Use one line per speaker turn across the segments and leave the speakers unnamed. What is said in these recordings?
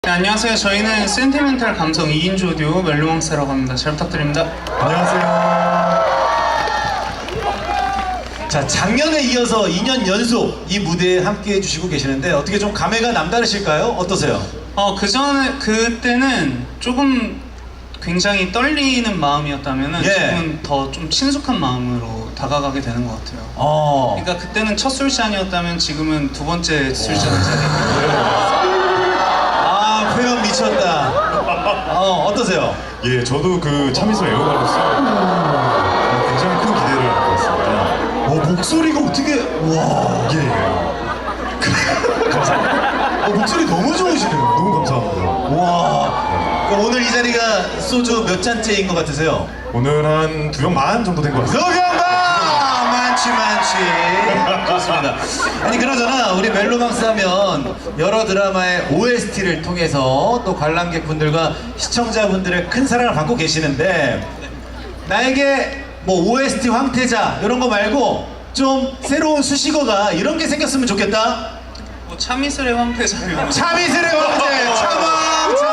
네, 안녕하세요. 저희는 센티멘탈 감성 2인조 듀오 멜로망스라고 합니다. 잘 부탁드립니다.
안녕하세요. 자, 작년에 이어서 2년 연속 이 무대에 함께 해주시고 계시는데 어떻게 좀 감회가 남다르실까요? 어떠세요?
그때는 조금 굉장히 떨리는 마음이었다면
예.
지금은 더 좀 친숙한 마음으로 다가가게 되는 것 같아요. 그러니까 그때는 첫 술잔이었다면 지금은 두 번째 술잔 자리.
아, 표현 미쳤다. 어떠세요?
예, 저도 그 참이슬 애호가로서 굉장히 큰 기대를 갖고 있습니다.
목소리가 어떻게, 와.
예, 감사합니다.
목소리 너무 좋으시네요.
너무 감사합니다.
와. 그럼 오늘 이 자리가 소주 몇 잔째인 것 같으세요?
오늘 한 2병 만 정도 된 것 같습니다.
소경가! 많지. 좋습니다. 아니, 그러잖아. 우리 멜로망스 하면 여러 드라마의 OST를 통해서 또 관람객분들과 시청자분들의 큰 사랑을 받고 계시는데, 나에게 뭐 OST 황태자 이런 거 말고 좀 새로운 수식어가 이런 게 생겼으면 좋겠다.
뭐 참이슬의 황태자면
참이슬의 황태! 참아!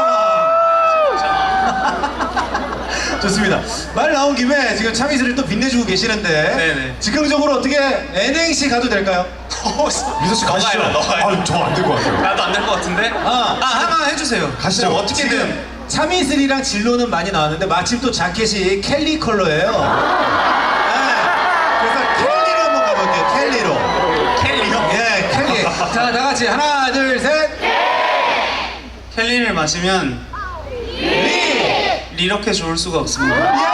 좋습니다. 말 나온 김에 지금 참이슬을 또 빛내주고 계시는데
네네.
즉흥적으로 어떻게 NNC 가도 될까요?
미서 씨 가시죠. 아, 저 안 될 것 같아요.
나도 안 될 것 같은데? 하나 해주세요.
가시죠.
뭐 어떻게든.
지금 참이슬이랑 진로는 많이 나왔는데 마침 또 자켓이 켈리 컬러예요. 네. 그래서 켈리로 한번 가볼게요. 켈리로.
켈리요?
예, 켈리. 자, 다 같이 하나, 둘, 셋.
켈리를 마시면 이렇게 좋을 수가 없습니다.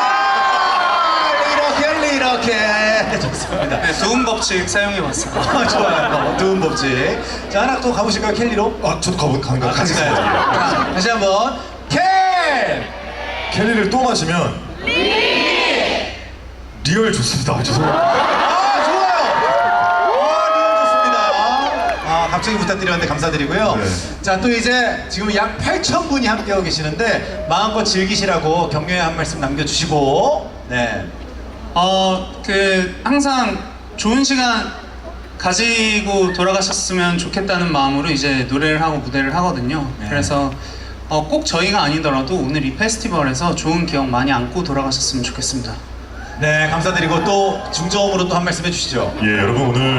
이렇게 좋습니다.
네, 도움 법칙 사용해봤어요.
좋아요. 두은 법칙. 자, 하나 또 가보실까요? 켈리로?
아, 저도
같이
가겠습니다.
가요. 자, 다시 한번. 켈!
켈리를 또 마시면 리얼 좋습니다. 아, 죄송합니다.
좋아요. 리얼 좋습니다. 갑자기 부탁드렸는데 감사드리고요.
네.
자, 또 이제 지금 약 8,000분이 함께하고 계시는데 마음껏 즐기시라고 격려의 한 말씀 남겨주시고. 네.
항상 좋은 시간 가지고 돌아가셨으면 좋겠다는 마음으로 이제 노래를 하고 무대를 하거든요.
네.
그래서 꼭 저희가 아니더라도 오늘 이 페스티벌에서 좋은 기억 많이 안고 돌아가셨으면 좋겠습니다.
네, 감사드리고 또 중저음으로 또 한 말씀 해주시죠.
예, 여러분 오늘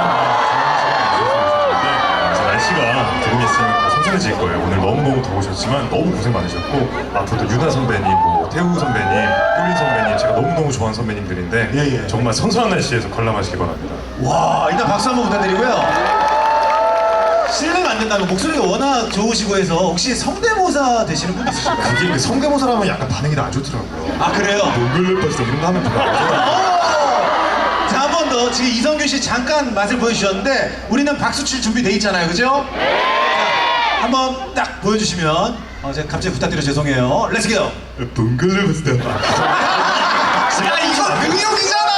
날씨가 조금 있으면 더 선선해질 거예요. 오늘 너무너무 더우셨지만 너무 고생 많으셨고 앞으로도 유나 선배님, 뭐 태우 선배님, 효린 선배님 제가 너무너무 좋아하는 선배님들인데
예.
정말 선선한 날씨에서 관람하시기 바랍니다.
와, 일단 박수 한번 부탁드리고요. 실례가 안 된다면 목소리가 워낙 좋으시고 해서 혹시 성대모사 되시는 분 있으실까요?
그게 이렇게 성대모사라면 약간 반응이 안 좋더라고요.
아, 그래요?
농글레퍼스 이런 거 하면 별로 안 좋아요.
자, 한 번 더. 지금 이성균 씨 잠깐 맛을 보여주셨는데 우리는 박수 칠 준비 돼 있잖아요, 그죠? 자, 한번 딱 보여주시면 제가 갑자기 부탁드려 죄송해요. 렛츠 고!
농글레퍼스
야, 이거 능력이잖아!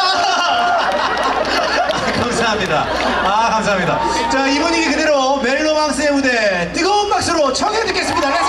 감사합니다. 감사합니다. 자, 이 분위기 그대로 멜로망스의 무대 뜨거운 박수로 청해 듣겠습니다.